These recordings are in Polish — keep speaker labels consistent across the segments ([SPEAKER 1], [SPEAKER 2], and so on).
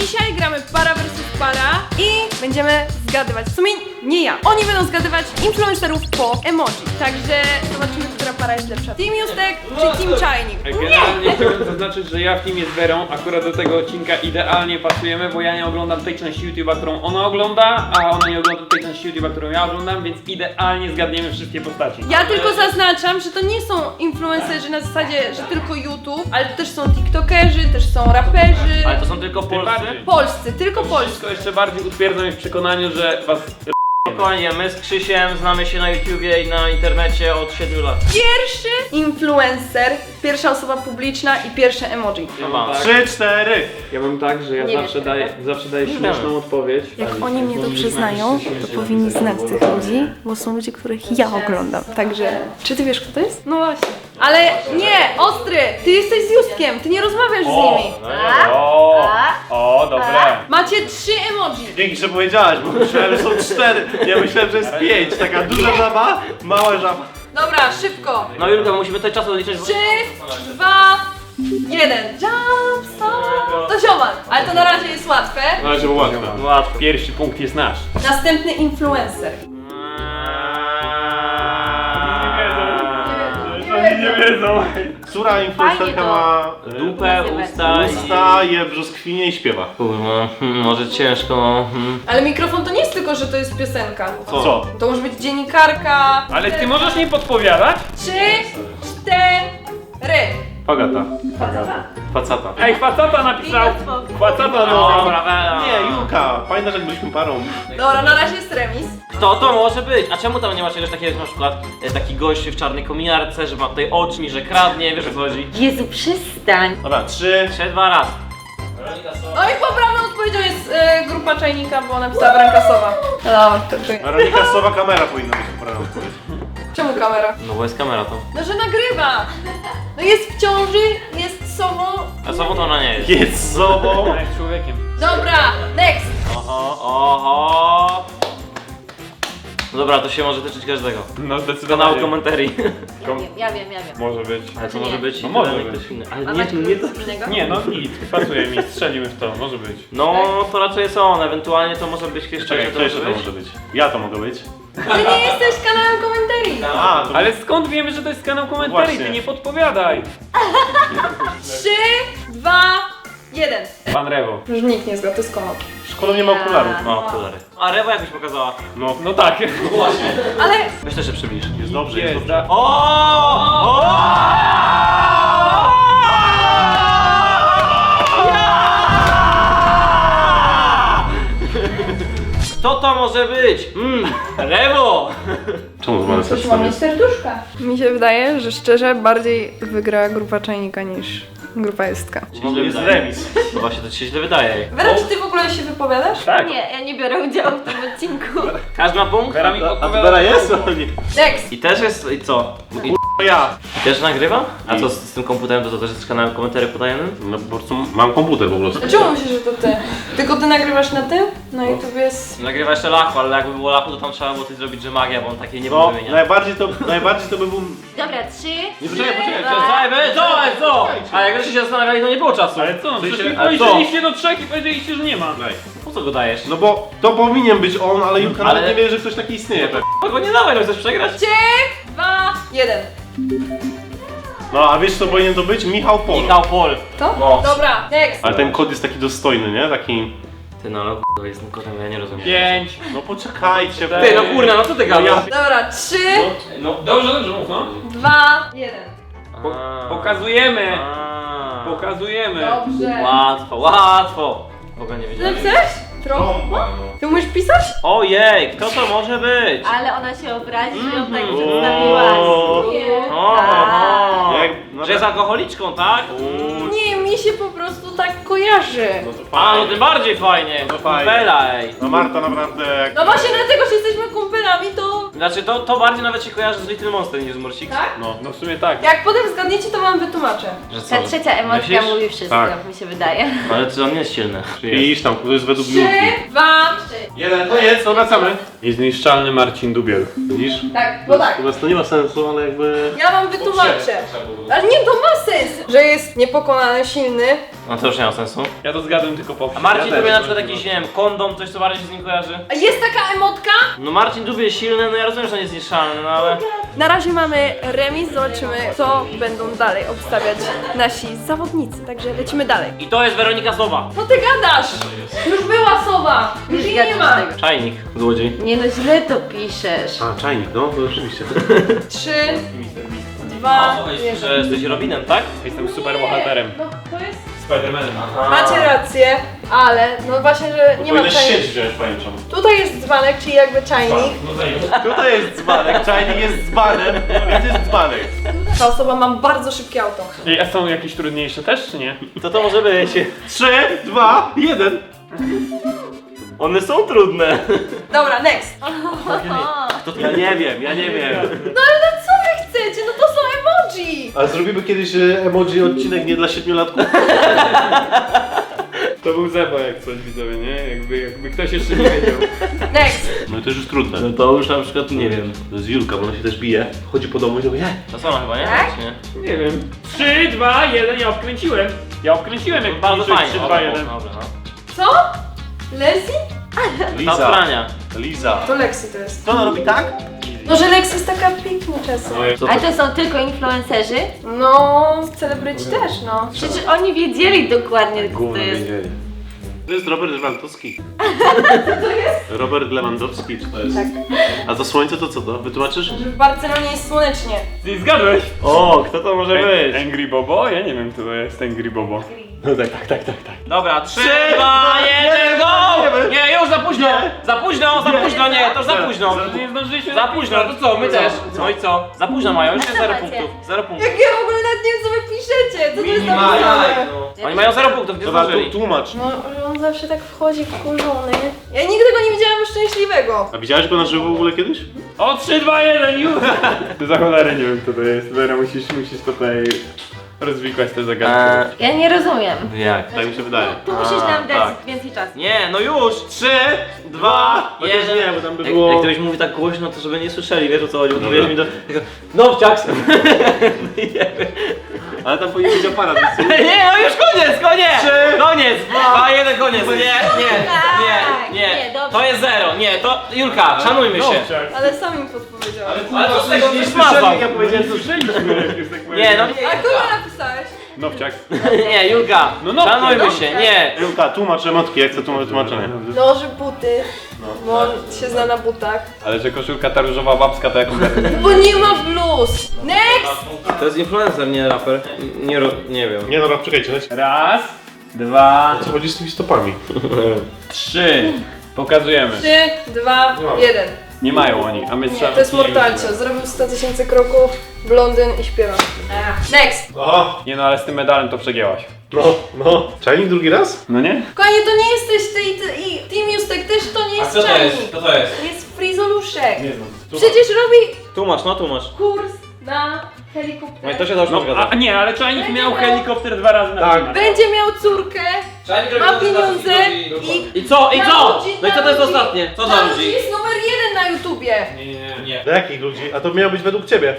[SPEAKER 1] Dzisiaj gramy para versus para i będziemy zgadywać. W sumie nie ja. Oni będą zgadywać influencerów po emoji. Także zobaczymy, która para jest lepsza. Team Justek czy Team Czajnik?
[SPEAKER 2] Generalnie chciałbym zaznaczyć, że ja w teamie z Werą akurat do tego odcinka idealnie pasujemy, bo ja nie oglądam tej części YouTube'a, którą ona ogląda, a ona nie ogląda tej części YouTube'a, którą ja oglądam, więc idealnie zgadniemy wszystkie postaci.
[SPEAKER 1] Ja tylko zaznaczam, że to nie są influencerzy na zasadzie, że tylko YouTube, ale to też są tiktokerzy, też są raperzy.
[SPEAKER 3] Ale to są tylko polscy?
[SPEAKER 1] Polscy, tylko polscy.
[SPEAKER 2] Wszystko jeszcze bardziej utwierdza mnie w przekonaniu, że was...
[SPEAKER 3] Spokojnie, my z Krzysiem znamy się na YouTubie i na internecie od 7 lat.
[SPEAKER 1] Pierwszy influencer, pierwsza osoba publiczna i pierwsze emoji.
[SPEAKER 2] Ja mam tak,
[SPEAKER 4] 3, 4.
[SPEAKER 2] ja mam tak, że ja
[SPEAKER 1] Nie
[SPEAKER 2] zawsze daję śmieszną odpowiedź.
[SPEAKER 5] Jak oni mnie dobrze znają, to powinni znać tych ludzi, bo są ludzie, których ja oglądam.
[SPEAKER 1] Także, czy ty wiesz, kto to jest? No właśnie. Ale nie, Ostry, ty jesteś z Justkiem, ty nie rozmawiasz z nimi.
[SPEAKER 2] O, dobre.
[SPEAKER 1] Macie 3 emoji.
[SPEAKER 4] Dzięki, że powiedziałaś, bo myślałem, że są 4. Ja myślałem, że jest 5. Taka duża żaba, mała żaba.
[SPEAKER 1] Dobra, szybko.
[SPEAKER 3] No Julka, musimy tutaj czasu odliczyć, bo...
[SPEAKER 1] 3, 2, 1. Jump, stop. To ziomal, ale to na razie jest łatwe.
[SPEAKER 4] Na razie było łatwe.
[SPEAKER 3] Łatwo.
[SPEAKER 2] Pierwszy punkt jest nasz.
[SPEAKER 1] Następny influencer.
[SPEAKER 2] Nie wiedzą.
[SPEAKER 4] Która influencerka ma
[SPEAKER 3] Dupę,
[SPEAKER 4] usta, je brzoskwinie i śpiewa?
[SPEAKER 3] Kurwa, może ciężko, no.
[SPEAKER 1] Ale mikrofon to nie jest tylko, że to jest piosenka.
[SPEAKER 4] Co?
[SPEAKER 1] To może być dziennikarka.
[SPEAKER 2] Ale ty możesz nie podpowiadać?
[SPEAKER 1] 3, 4.
[SPEAKER 4] Pagata.
[SPEAKER 3] Facata.
[SPEAKER 2] Ej, facata napisał. Facata napisał.
[SPEAKER 3] Dobra,
[SPEAKER 4] Nie, Julka. Pamiętasz, jak byliśmy parą?
[SPEAKER 1] Dobra, na razie jest remis.
[SPEAKER 3] Kto to może być? A czemu tam nie ma czegoś takiego, jak na przykład taki gość w czarnej kominiarce, że ma tutaj oczmi, że kradnie, wiesz o co chodzi?
[SPEAKER 6] Jezu, przestań!
[SPEAKER 4] Dobra, 3.
[SPEAKER 3] 3-2 raz.
[SPEAKER 1] No i poprawną odpowiedzią jest grupa Czajnika, bo napisała Brankasowa. Dobra, to
[SPEAKER 4] Weronika Sowa kamera powinna być poprawna odpowiedź.
[SPEAKER 1] Czemu kamera?
[SPEAKER 3] No bo jest kamera to.
[SPEAKER 1] No, że nagrywa. No jest w ciąży, jest sobą.
[SPEAKER 3] A sobą to ona nie jest.
[SPEAKER 4] Jest sobą.
[SPEAKER 2] Ona jest człowiekiem.
[SPEAKER 1] Dobra, next.
[SPEAKER 3] Oho. No dobra, to się może tyczyć każdego.
[SPEAKER 2] No
[SPEAKER 3] Kanału
[SPEAKER 2] zdecydowanie.
[SPEAKER 3] komentarii.
[SPEAKER 6] Ja wiem.
[SPEAKER 2] Może być.
[SPEAKER 3] Ale to
[SPEAKER 6] Nie.
[SPEAKER 3] może być
[SPEAKER 2] No może
[SPEAKER 3] totalnie
[SPEAKER 2] być.
[SPEAKER 3] ktoś inny.
[SPEAKER 6] A
[SPEAKER 3] Ale
[SPEAKER 6] macie
[SPEAKER 3] nie to.
[SPEAKER 6] coś innego?
[SPEAKER 2] Nie, no nic. Pasuje mi, strzelimy w to. Może być.
[SPEAKER 3] No to raczej jest on, ewentualnie to może być jeszcze
[SPEAKER 4] Czekaj,
[SPEAKER 3] to
[SPEAKER 4] kto jeszcze
[SPEAKER 3] może
[SPEAKER 4] to
[SPEAKER 3] być.
[SPEAKER 4] może być? Ja to mogę być.
[SPEAKER 1] Ty nie jesteś kanałem komentarii.
[SPEAKER 4] A, to
[SPEAKER 2] Ale skąd wiemy, że to jest kanał komentarii?
[SPEAKER 4] Właśnie.
[SPEAKER 2] Ty nie podpowiadaj.
[SPEAKER 1] 3, 2, 1.
[SPEAKER 2] Pan Rewo.
[SPEAKER 1] Już nikt nie zgadł, to jest komod.
[SPEAKER 4] szkoda nie ma okularów.
[SPEAKER 3] No, okulary. A Rewo jakbyś pokazała?
[SPEAKER 2] No tak.
[SPEAKER 1] Ale
[SPEAKER 3] Weź też się przybliż.
[SPEAKER 4] Jest dobrze, jest
[SPEAKER 2] Jest,
[SPEAKER 4] dobrze.
[SPEAKER 2] da.
[SPEAKER 3] Kto to może być? Rewo!
[SPEAKER 4] Czemu mamy
[SPEAKER 1] coś mam mieć serduszka. Mi się wydaje, że szczerze bardziej wygra grupa Czajnika niż grupa Justka.
[SPEAKER 3] Źle
[SPEAKER 4] Jest
[SPEAKER 3] wydaje.
[SPEAKER 4] remis.
[SPEAKER 3] No właśnie, to ci się źle wydaje.
[SPEAKER 1] Wera, czy ty w ogóle się wypowiadasz?
[SPEAKER 2] Tak.
[SPEAKER 6] Nie, ja nie biorę udziału w tym odcinku.
[SPEAKER 3] Każdy ma punkt?
[SPEAKER 2] Vera mi
[SPEAKER 4] A to
[SPEAKER 2] podpowiada.
[SPEAKER 4] Vera jest? Nie.
[SPEAKER 1] Next.
[SPEAKER 3] I też jest, i co? I
[SPEAKER 4] To ja.
[SPEAKER 3] też nagrywa? A co z tym komputerem, to też jest kanałem komentarzy podajemy?
[SPEAKER 4] No po prostu mam komputer po prostu.
[SPEAKER 1] Dlaczego myślisz, że to ty? Tylko ty nagrywasz na tym? Na YouTube jest...
[SPEAKER 3] Nagrywa jeszcze Lachu, ale jakby było Lachu, to tam trzeba było coś zrobić, że magia, bo on takiej nie
[SPEAKER 4] No,
[SPEAKER 3] był wymieniać.
[SPEAKER 4] najbardziej to by był...
[SPEAKER 6] Dobra, 3.
[SPEAKER 4] Nie, poczekaj.
[SPEAKER 3] Co? A jak się zastanawiali, to nie było czasu.
[SPEAKER 2] Ale co?
[SPEAKER 4] Ty
[SPEAKER 2] Przecież
[SPEAKER 4] się-
[SPEAKER 2] mi
[SPEAKER 4] a
[SPEAKER 2] powiedzieliście do 3 i powiedzieliście, że nie ma.
[SPEAKER 4] Daj.
[SPEAKER 3] Po co go dajesz?
[SPEAKER 4] No bo to powinien być on, ale Julka
[SPEAKER 3] Ale-
[SPEAKER 4] nawet nie wie, że ktoś taki istnieje.
[SPEAKER 3] No go nie dawaj, no chcesz przegrać?
[SPEAKER 1] 3, 2, 1.
[SPEAKER 4] No a wiesz co powinien to być? Michał Pol.
[SPEAKER 3] Michał Pol.
[SPEAKER 1] To?
[SPEAKER 3] No.
[SPEAKER 1] Dobra, next.
[SPEAKER 4] Ale ten kod jest taki dostojny, nie? Taki...
[SPEAKER 3] Ty no, to jest tym kotem, ja nie rozumiem.
[SPEAKER 2] 5.
[SPEAKER 4] No poczekajcie.
[SPEAKER 3] Ty no kurna, no co ty gadasz?
[SPEAKER 1] Dobra, 3,
[SPEAKER 2] No dobrze, mów no.
[SPEAKER 1] 2, 1.
[SPEAKER 2] Pokazujemy.
[SPEAKER 3] A.
[SPEAKER 2] Pokazujemy.
[SPEAKER 1] Dobrze.
[SPEAKER 3] Łatwo. W ogóle nie wiedziałem.
[SPEAKER 1] Napisałeś? Trochę. Ty umiesz pisać?
[SPEAKER 3] Ojej, kto to może być?
[SPEAKER 6] Ale ona się obrazi, że ją tak przedstawiłaś. Nie.
[SPEAKER 3] Że jest alkoholiczką, tak?
[SPEAKER 1] Nie, mi się po prostu tak kojarzy.
[SPEAKER 4] No to
[SPEAKER 3] A, no
[SPEAKER 4] fajnie.
[SPEAKER 3] tym bardziej fajnie.
[SPEAKER 4] No fajnie.
[SPEAKER 3] Kumpela, ej.
[SPEAKER 4] No Marta naprawdę jak...
[SPEAKER 1] No właśnie dlatego, że jesteśmy kumpelami, to...
[SPEAKER 3] Znaczy to bardziej nawet się kojarzy z Little Monster niż z Morsik.
[SPEAKER 1] Tak?
[SPEAKER 2] No w sumie tak.
[SPEAKER 1] Jak potem zgadniecie, to wam wytłumaczę.
[SPEAKER 3] Że co?
[SPEAKER 6] Ta trzecia emotka
[SPEAKER 3] Myślisz?
[SPEAKER 6] mówi wszystko,
[SPEAKER 4] Tak.
[SPEAKER 6] mi się wydaje.
[SPEAKER 3] Ale to on nie jest silny.
[SPEAKER 4] Iż tam, to jest według
[SPEAKER 1] 3,
[SPEAKER 4] Julki.
[SPEAKER 1] 2,
[SPEAKER 4] Jeden, koniec, to wracamy.
[SPEAKER 2] Niezniszczalny Marcin Dubiel.
[SPEAKER 4] Widzisz?
[SPEAKER 1] Tak, bo tak.
[SPEAKER 4] U nas to nie ma sensu, ale jakby...
[SPEAKER 1] Ja wam wytłumaczę. Ale nie, to ma sens, że jest niepokonany, silny.
[SPEAKER 3] No to już nie ma sensu.
[SPEAKER 2] Ja to zgadłem tylko po
[SPEAKER 3] A Marcin
[SPEAKER 4] Ja
[SPEAKER 3] Dubiel
[SPEAKER 4] też.
[SPEAKER 3] na przykład jakiś, nie wiem, kondom, coś co bardziej się z nim kojarzy?
[SPEAKER 1] A jest taka emotka?
[SPEAKER 3] No Marcin Dubiel silny, no ja rozumiem, że on jest niezniszczalny, no ale...
[SPEAKER 1] Na razie mamy remis, zobaczymy co będą dalej obstawiać nasi zawodnicy, także lecimy dalej.
[SPEAKER 3] I to jest Weronika Sowa.
[SPEAKER 1] Co ty gadasz? Już była sowa, już jej nie ma.
[SPEAKER 3] Czajnik, złodziej.
[SPEAKER 6] Nie no, źle to piszesz.
[SPEAKER 4] A, czajnik, no, to rzeczywiście.
[SPEAKER 1] 3, 2, 1.
[SPEAKER 3] Że jesteś Robinem, tak?
[SPEAKER 2] Jestem super bohaterem.
[SPEAKER 1] No to jest...
[SPEAKER 2] Spidermanem.
[SPEAKER 1] Macie rację, ale no właśnie, że nie ma
[SPEAKER 4] Powinieneś
[SPEAKER 1] czajnika.
[SPEAKER 4] sieć wziąć pajęczą.
[SPEAKER 1] Tutaj jest dzbanek, czyli jakby czajnik.
[SPEAKER 4] Tutaj jest dzbanek, czajnik jest dzbanem, więc jest dzbanek.
[SPEAKER 1] Ta osoba ma bardzo szybkie auto.
[SPEAKER 2] Ej, a są jakieś trudniejsze też, czy nie?
[SPEAKER 3] Co to może być?
[SPEAKER 4] 3, 2, 1.
[SPEAKER 3] One są trudne.
[SPEAKER 1] Dobra, next.
[SPEAKER 4] Ja nie wiem, ja nie wiem.
[SPEAKER 1] No ale no co wy chcecie? No to są emoji.
[SPEAKER 4] A zrobimy kiedyś emoji odcinek nie dla 7-latków?
[SPEAKER 2] To był Zebo jak coś, widzowie, nie? Jakby ktoś jeszcze nie wiedział.
[SPEAKER 1] Next.
[SPEAKER 4] No i to już jest trudne.
[SPEAKER 3] No to już na przykład nie wiem.
[SPEAKER 4] To jest Julka, bo ona się też bije. Chodzi po domu i mówi,
[SPEAKER 3] To sama chyba, nie?
[SPEAKER 1] Tak?
[SPEAKER 3] Czy nie?
[SPEAKER 2] Nie wiem. 3, 2, 1, ja obkręciłem. Ja obkręciłem jak
[SPEAKER 3] Bardzo
[SPEAKER 2] liczyłem
[SPEAKER 3] fajnie.
[SPEAKER 2] 3, 2,
[SPEAKER 3] Dobra,
[SPEAKER 2] 1.
[SPEAKER 3] dobra, no.
[SPEAKER 1] Co? Leslie?
[SPEAKER 3] Ta
[SPEAKER 4] Liza,
[SPEAKER 3] prania.
[SPEAKER 4] Liza.
[SPEAKER 1] To Lexi to jest.
[SPEAKER 4] Co ona robi tak?
[SPEAKER 1] No, że Lexi jest taka piękna czasem.
[SPEAKER 6] Ale to są tylko influencerzy?
[SPEAKER 1] No, celebryci też, no.
[SPEAKER 6] Przecież oni wiedzieli dokładnie, kto to jest.
[SPEAKER 4] To jest Robert Lewandowski. Robert Lewandowski, czy to jest?
[SPEAKER 1] Tak.
[SPEAKER 4] A to słońce to co to? Wytłumaczysz?
[SPEAKER 1] Że w Barcelonie jest słonecznie.
[SPEAKER 2] Ty zgadłeś?
[SPEAKER 3] O, kto to może być?
[SPEAKER 2] Angry Bobo? Ja nie wiem kto to jest Angry Bobo.
[SPEAKER 4] No tak.
[SPEAKER 3] Dobra, 3, 2, 1, go! Nie, już za późno! Za późno, nie, to już za późno.
[SPEAKER 2] Nie zdążyliśmy
[SPEAKER 3] Za późno, to co, my też. No i co? Za późno mają, już jest 0 punktów. 0 punktów.
[SPEAKER 1] Jak ja w ogóle nawet nie wiem co wy piszecie, co to jest napisane?
[SPEAKER 3] Oni mają 0 punktów, nie
[SPEAKER 4] Dobra,
[SPEAKER 3] zdążyli.
[SPEAKER 4] tłumacz.
[SPEAKER 1] No, że on zawsze tak wchodzi wkurzony. Ja nigdy go nie widziałam szczęśliwego.
[SPEAKER 4] A widziałeś go na żywo w ogóle kiedyś?
[SPEAKER 2] O 3, 2, 1 już! Ty za cholerę nie wiem kto to jest. Vera musisz tutaj rozwikłać te zagadki.
[SPEAKER 6] Ja nie rozumiem.
[SPEAKER 3] Jak?
[SPEAKER 4] Tak mi się wydaje.
[SPEAKER 6] Tu musisz nam dać
[SPEAKER 3] tak.
[SPEAKER 6] więcej czasu.
[SPEAKER 3] Nie, no już! 3, 2,
[SPEAKER 4] Chociaż
[SPEAKER 3] 1.
[SPEAKER 4] nie, bo tam by było-
[SPEAKER 3] Jak ktoś mówi tak głośno, to żeby nie słyszeli, wiesz o co chodzi, bo wiesz mi do... Nowciaks!
[SPEAKER 4] Ale tam powinien być aparat. więc-
[SPEAKER 3] Nie, no już koniec!
[SPEAKER 4] Trzy,
[SPEAKER 3] Koniec! 2, 1, koniec! Nie,
[SPEAKER 6] Nie, dobrze.
[SPEAKER 3] to jest 0, nie, to... Julka, szanujmy się.
[SPEAKER 1] Ale sam im podpowiedziałam.
[SPEAKER 3] Ale co z tego
[SPEAKER 4] Nie
[SPEAKER 3] nie
[SPEAKER 4] słyszeli,
[SPEAKER 3] smazał?
[SPEAKER 4] jak ja powiedziałem, co
[SPEAKER 2] Słyszeliśmy jak jest tak
[SPEAKER 3] Nie, no
[SPEAKER 1] A kogo napisałeś?
[SPEAKER 2] Nowciak.
[SPEAKER 3] nie, Julka,
[SPEAKER 2] No, no,
[SPEAKER 3] szanujmy
[SPEAKER 2] no.
[SPEAKER 3] się, nie.
[SPEAKER 4] Julka, tłumacz emotki, jak chcę tłumaczenie.
[SPEAKER 1] Noży, buty, bo on się zna na butach.
[SPEAKER 2] Ale że koszulka ta różowa babska to jaką
[SPEAKER 1] Bo nie ma bluz. Next!
[SPEAKER 3] To jest influencer, nie raper. Nie wiem.
[SPEAKER 4] Nie dobra, czekajcie, leć.
[SPEAKER 2] Raz, 2,
[SPEAKER 4] Co chodzi z tymi stopami?
[SPEAKER 2] 3. Pokazujemy.
[SPEAKER 1] 3, 2, 1.
[SPEAKER 2] Nie mają oni, a my trzeba...
[SPEAKER 1] To jest Mortalcio. Zrobił 100 000 kroków, blondyn i śpiewa. Next!
[SPEAKER 4] Aha,
[SPEAKER 2] Nie no, ale z tym medalem to przegięłaś.
[SPEAKER 4] no. Czajnik drugi raz?
[SPEAKER 2] No nie?
[SPEAKER 1] Kochanie, to nie jesteś ty i Team Justek też to nie jest czajnik.
[SPEAKER 3] Co to jest?
[SPEAKER 1] To jest frizoluszek.
[SPEAKER 2] Nie znam.
[SPEAKER 1] Przecież robi
[SPEAKER 3] Tłumacz.
[SPEAKER 1] kurs na helikopter.
[SPEAKER 3] No i to się dobrze
[SPEAKER 2] No,
[SPEAKER 3] zgadza.
[SPEAKER 2] a nie, ale czajnik miał helikopter 2 razy na
[SPEAKER 4] Tak.
[SPEAKER 2] temat.
[SPEAKER 1] Będzie miał córkę, ma pieniądze i...
[SPEAKER 3] I co?
[SPEAKER 1] Narodzi,
[SPEAKER 3] No i co to jest
[SPEAKER 1] narodzi.
[SPEAKER 3] ostatnie? Co za
[SPEAKER 1] Narodzi
[SPEAKER 3] ludzi?
[SPEAKER 1] jest numer 1 na YouTubie.
[SPEAKER 3] Nie.
[SPEAKER 4] Dla jakich ludzi? A to miało być według ciebie.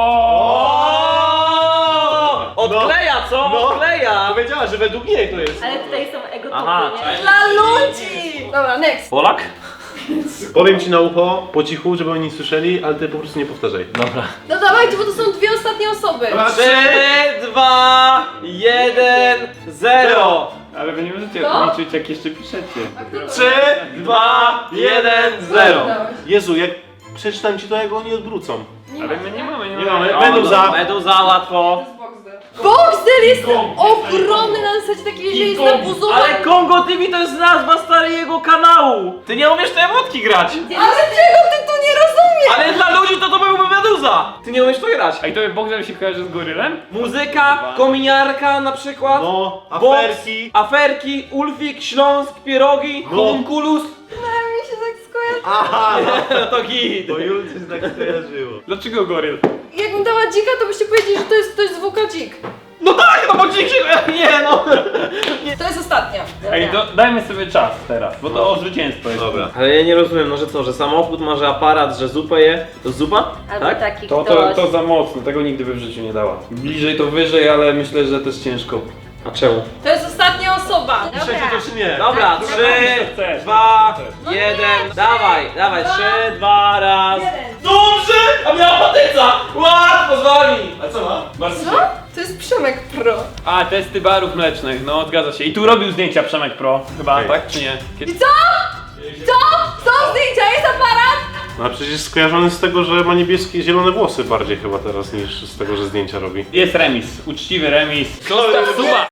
[SPEAKER 3] Odkleja, co?
[SPEAKER 4] No.
[SPEAKER 3] Odkleja!
[SPEAKER 4] Powiedziała, że według niej to jest.
[SPEAKER 6] Ale tutaj są ego
[SPEAKER 3] Aha,
[SPEAKER 6] tupy, nie?
[SPEAKER 1] Dla ludzi! Dobra, next.
[SPEAKER 3] Polak?
[SPEAKER 4] Powiem ci na ucho, po cichu, żeby oni nie słyszeli, ale ty po prostu nie powtarzaj.
[SPEAKER 3] Dobra.
[SPEAKER 1] No dawajcie, bo to są dwie ostatnie osoby.
[SPEAKER 3] 3, 2, 1, 0.
[SPEAKER 2] Ale wy nie możecie
[SPEAKER 1] Co?
[SPEAKER 2] liczyć jak jeszcze piszecie.
[SPEAKER 3] 3, 2, 1, 0.
[SPEAKER 4] Jezu, jak przeczytam ci to, jak oni odwrócą.
[SPEAKER 2] Ale my nie mamy,
[SPEAKER 4] Nie mamy. Meduza.
[SPEAKER 3] Meduza, łatwo.
[SPEAKER 1] Boxdel jest ogromny na zasadzie takiej, że jest nabuzowany.
[SPEAKER 3] Ale Kongo TV to jest nazwa stary jego kanału. Ty nie umiesz te emotki grać.
[SPEAKER 1] Ale czego ty tu nie rozumiesz?
[SPEAKER 3] Ale dla ludzi to byłby Meduza. Ty nie umiesz to grać.
[SPEAKER 2] A i to Boxer się kojarzy z gorylem?
[SPEAKER 3] Muzyka, kominiarka na przykład.
[SPEAKER 4] No,
[SPEAKER 3] Box,
[SPEAKER 4] aferki.
[SPEAKER 3] aferki, Ulfik, Śląsk, pierogi,
[SPEAKER 4] No.
[SPEAKER 3] homunculus.
[SPEAKER 1] Mi się tak skojarzy.
[SPEAKER 4] Aha,
[SPEAKER 3] No to git.
[SPEAKER 4] bo Julce się tak skojarzyło.
[SPEAKER 2] Dlaczego goryl?
[SPEAKER 1] Jakbym dała dzika, to byście powiedzieli, że to jest ktoś z WK Dzik.
[SPEAKER 3] No tak, no bo nie no.
[SPEAKER 1] To jest ostatnia.
[SPEAKER 2] Ej, dajmy sobie czas teraz, bo to o zwycięstwo jest.
[SPEAKER 4] Dobra.
[SPEAKER 3] Ale ja nie rozumiem, no że co, że samochód ma, że aparat, że zupę je? To zupa?
[SPEAKER 6] Albo
[SPEAKER 3] Tak?
[SPEAKER 6] taki
[SPEAKER 2] To
[SPEAKER 6] ktoś.
[SPEAKER 2] za mocno, tego nigdy by w życiu nie dała. Bliżej to wyżej, ale myślę, że też ciężko.
[SPEAKER 3] A czemu?
[SPEAKER 1] To jest ostatnia osoba.
[SPEAKER 4] Piszecie to czy nie?
[SPEAKER 3] Dobra,
[SPEAKER 2] to
[SPEAKER 3] 3,
[SPEAKER 2] chcesz,
[SPEAKER 3] 2,
[SPEAKER 1] No
[SPEAKER 3] 1,
[SPEAKER 1] nie,
[SPEAKER 3] dawaj,
[SPEAKER 1] trzy,
[SPEAKER 3] dawaj,
[SPEAKER 1] dwa,
[SPEAKER 3] 3, 2, raz.
[SPEAKER 1] jeden.
[SPEAKER 3] Dobrze! A miała patyca! Łatwo z wami! A co ma?
[SPEAKER 2] Bardzo
[SPEAKER 1] Co? To jest Przemek Pro.
[SPEAKER 2] A, testy barów mlecznych, no zgadza się. I tu robił zdjęcia Przemek Pro, chyba,
[SPEAKER 4] Okej.
[SPEAKER 2] tak czy nie?
[SPEAKER 1] I co? Co? Są zdjęcia, jest aparat?
[SPEAKER 4] No a przecież skojarzony z tego, że ma niebieskie, zielone włosy bardziej chyba teraz niż z tego, że zdjęcia robi.
[SPEAKER 2] Jest remis, uczciwy remis. Zostaw suba!